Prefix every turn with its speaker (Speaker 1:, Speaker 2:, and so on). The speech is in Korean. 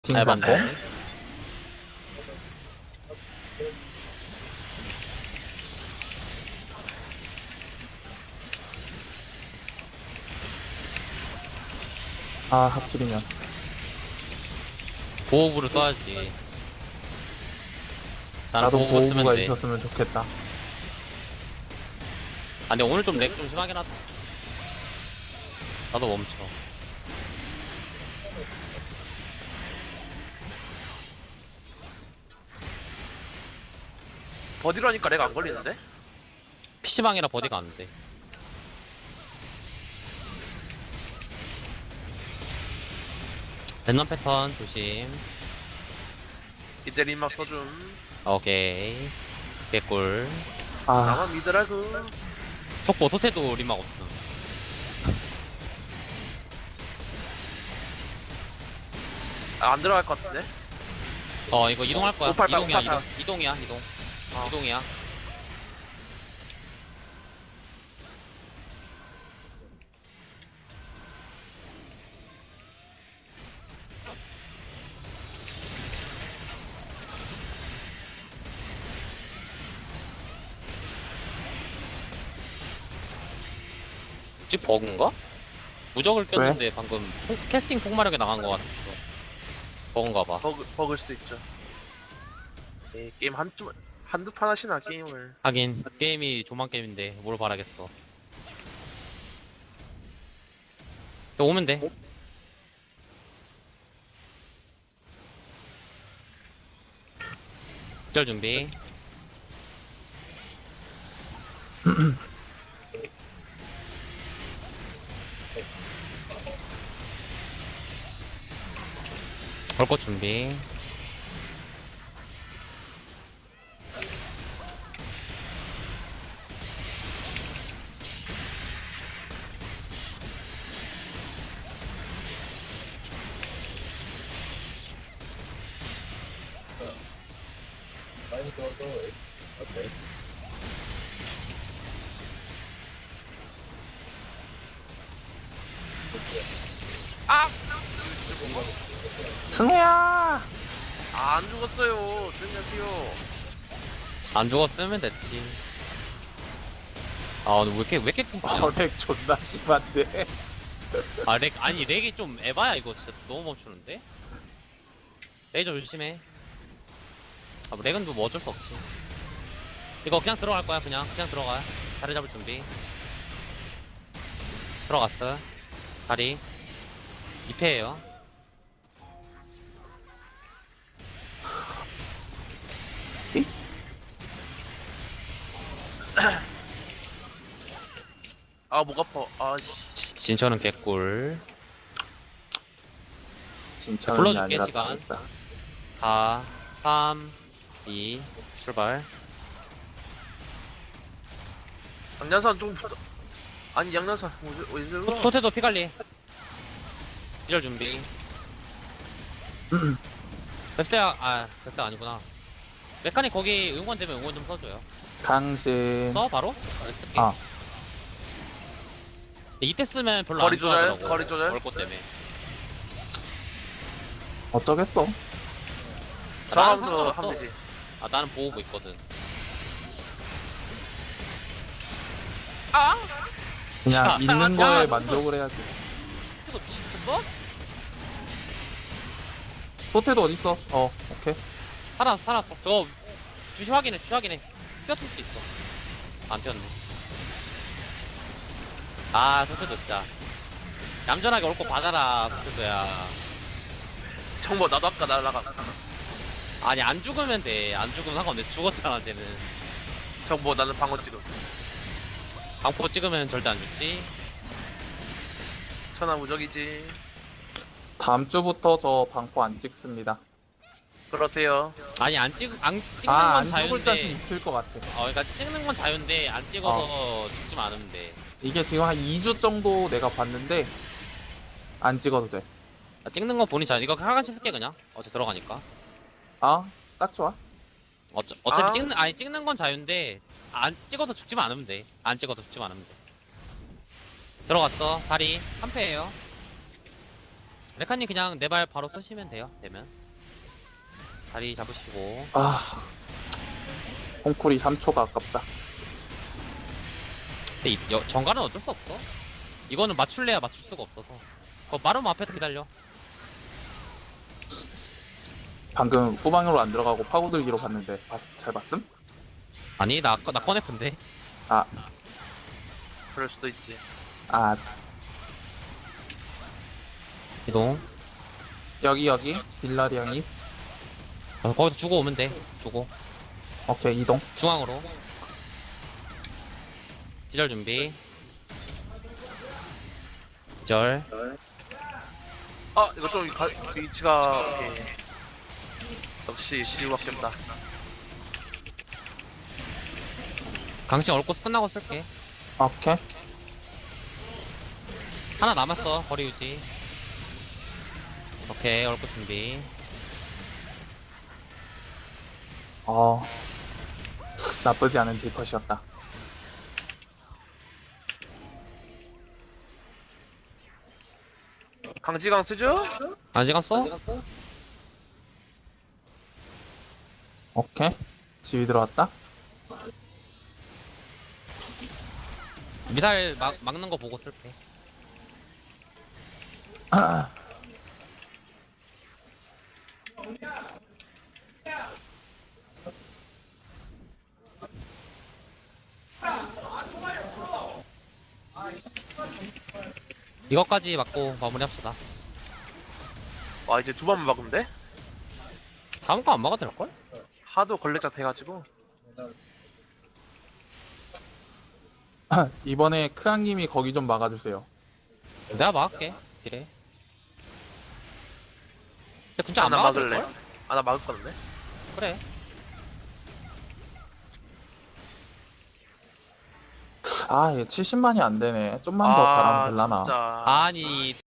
Speaker 1: 잘
Speaker 2: 딩상공?
Speaker 1: 봤네.
Speaker 2: 아, 하필이면.
Speaker 1: 보호부를 써야지. 나는
Speaker 2: 나도
Speaker 1: 보호부 쓰면
Speaker 2: 보호부가
Speaker 1: 돼.
Speaker 2: 있었으면 좋겠다.
Speaker 1: 아, 근데 오늘 좀 렉 좀 심하긴 하다. 나도 멈춰.
Speaker 3: 버디로 하니까 렉 안 걸리는데?
Speaker 1: PC방이라 버디가 안 돼. 랜덤 패턴 조심.
Speaker 3: 이때 림막 써줌.
Speaker 1: 오케이. 개꿀.
Speaker 2: 아,
Speaker 3: 나만 믿으라고.
Speaker 1: 속보 소태도 리막 없음.
Speaker 3: 아, 안 들어갈 것 같은데?
Speaker 1: 이거 이동할 거야.
Speaker 3: 588,
Speaker 1: 이동이야,
Speaker 3: 588.
Speaker 1: 이동이야, 이동.
Speaker 3: 어.
Speaker 1: 이동이야. 혹시 버그인가? 무적을 꼈는데 방금 캐스팅 폭마력에 나간 것 같았어. 버그인가 봐.
Speaker 3: 버글 수도 있죠. 에이, 게임 한두 판 하시나, 게임을.
Speaker 1: 하긴 게임이 조만 게임인데 뭘 바라겠어. 또 오면 돼. 절 준비. 벌꽃 준비.
Speaker 3: 아!
Speaker 2: 승혜야!
Speaker 3: 아, 안 죽었어요. 조용히 하세요.
Speaker 1: 안 죽었으면 됐지. 아 오늘 왜 이렇게 끊기냐?
Speaker 2: 저렉 존나 심한데.
Speaker 1: 아 렉 아니 렉이 좀 에바야 이거 진짜 너무 멈추는데? 레이저 조심해. 아 뭐 렉은 뭐 어쩔 수 없지. 이거 그냥 들어갈 거야 그냥 들어가. 자리 잡을 준비. 들어갔어. 다리 2패예요.
Speaker 3: 아, 목 아파. 아, 씨.
Speaker 1: 진천은 개꿀.
Speaker 2: 진짜는
Speaker 1: 불러줄게,
Speaker 2: 아니라
Speaker 1: 시간.
Speaker 2: 다르다.
Speaker 1: 4 3 2 출발.
Speaker 3: 양년산 좀 붙어. 아니, 양년산. 왜 이러고?
Speaker 1: 토테도 피관리. 기절 준비. 뱁새야 아니구나. 메카닉 거기 응원 되면 응원 좀 써줘요.
Speaker 2: 강신.
Speaker 1: 써 바로? 쓸게.
Speaker 2: 아.
Speaker 1: 이때 쓰면 별로
Speaker 3: 거리
Speaker 1: 안
Speaker 3: 조절,
Speaker 1: 좋아하더라고.
Speaker 3: 거리 조절.
Speaker 1: 얼꽃 때문에.
Speaker 2: 어쩌겠어?
Speaker 3: 저하면서
Speaker 1: 상관없어.
Speaker 3: 하면 되지.
Speaker 1: 아 나는 보호부 있거든.
Speaker 3: 아!
Speaker 2: 그냥
Speaker 1: 자,
Speaker 2: 있는
Speaker 1: 야,
Speaker 2: 거에
Speaker 1: 이거-
Speaker 2: 만족을 해야지.
Speaker 1: 이거 미쳤어?
Speaker 2: 소태도 어딨어? 오케이.
Speaker 1: 살았어. 저거 주시 확인해. 튀었을 수도 있어. 안 튀었네. 아 토테도 진짜 얌전하게 올 거 받아라 토테도야.
Speaker 3: 정보 나도 아까 날라가.
Speaker 1: 아니 안 죽으면 돼. 안 죽으면 상관없는데 죽었잖아 쟤는.
Speaker 3: 정보 나는 방어 찍음.
Speaker 1: 방포 찍으면 절대 안 죽지.
Speaker 3: 천하무적이지.
Speaker 2: 다음 주부터 저 방포 안 찍습니다.
Speaker 3: 그러세요.
Speaker 1: 아니 안 찍는 건
Speaker 2: 안 죽을 자신
Speaker 1: 자유인데.
Speaker 2: 있을 것 같아.
Speaker 1: 그러니까 찍는 건 자유인데 안 찍어서 죽지만 않으면 돼.
Speaker 2: 이게 지금 한 2주 정도 내가 봤는데 안 찍어도 돼.
Speaker 1: 찍는 건 본인 자유. 이거 하간치 쓸게 그냥. 어차피 들어가니까.
Speaker 2: 아, 딱 좋아.
Speaker 1: 어차피
Speaker 3: 아.
Speaker 1: 찍는 건 자유인데 안 찍어서 죽지만 않으면 돼. 안 찍어서 죽지만 않으면 돼. 들어갔어. 자리 3패예요. 레카님 그냥 내 발 바로 쓰시면 돼요. 되면 다리 잡으시고.
Speaker 2: 아, 콩쿨이 3초가 아깝다.
Speaker 1: 근데 정갈은 어쩔 수 없어. 이거는 맞출래야 맞출 수가 없어서. 마름 앞에서 기다려.
Speaker 2: 방금 후방으로 안 들어가고 파고들기로 봤는데 잘 봤음?
Speaker 1: 아니 나 꺼냈던데.
Speaker 2: 아,
Speaker 3: 그럴 수도 있지.
Speaker 2: 아,
Speaker 1: 이동.
Speaker 2: 여기 빌라리앙이.
Speaker 1: 거기서 주고 오면 돼. 주고
Speaker 2: 오케이, 이동.
Speaker 1: 중앙으로. 기절 준비. 기절.
Speaker 3: 아 이거 좀 위치가 오케이. 역시 시우밖에 없다.
Speaker 1: 강신 얼꽃 끝나고 쓸게.
Speaker 2: 오케이.
Speaker 1: 하나 남았어. 거리 유지. 오케이 얼꽃 준비.
Speaker 2: 나쁘지 않은 딜컷이었다.
Speaker 3: 강지강 쓰죠?
Speaker 1: 아직 안 써?
Speaker 2: 오케이. 지휘 들어왔다.
Speaker 1: 미사일 막는 거 보고 쓸게. 이것까지 맞고 마무리합시다.
Speaker 3: 와 이제 두 번만 막으면 돼?
Speaker 1: 다음 거 안 막아도 될걸?
Speaker 3: 하도 걸레짝 돼가지고.
Speaker 2: 이번에 크앙님이 거기 좀 막아주세요.
Speaker 1: 내가 막을게. 딜에. 근데 진짜 안
Speaker 3: 나
Speaker 1: 막아도
Speaker 3: 막을래.
Speaker 1: 될걸?
Speaker 3: 나 막을 건데.
Speaker 1: 그래.
Speaker 2: 얘 70만이 안 되네. 좀만 더 잘하면 될라나.
Speaker 3: 진짜.
Speaker 1: 아니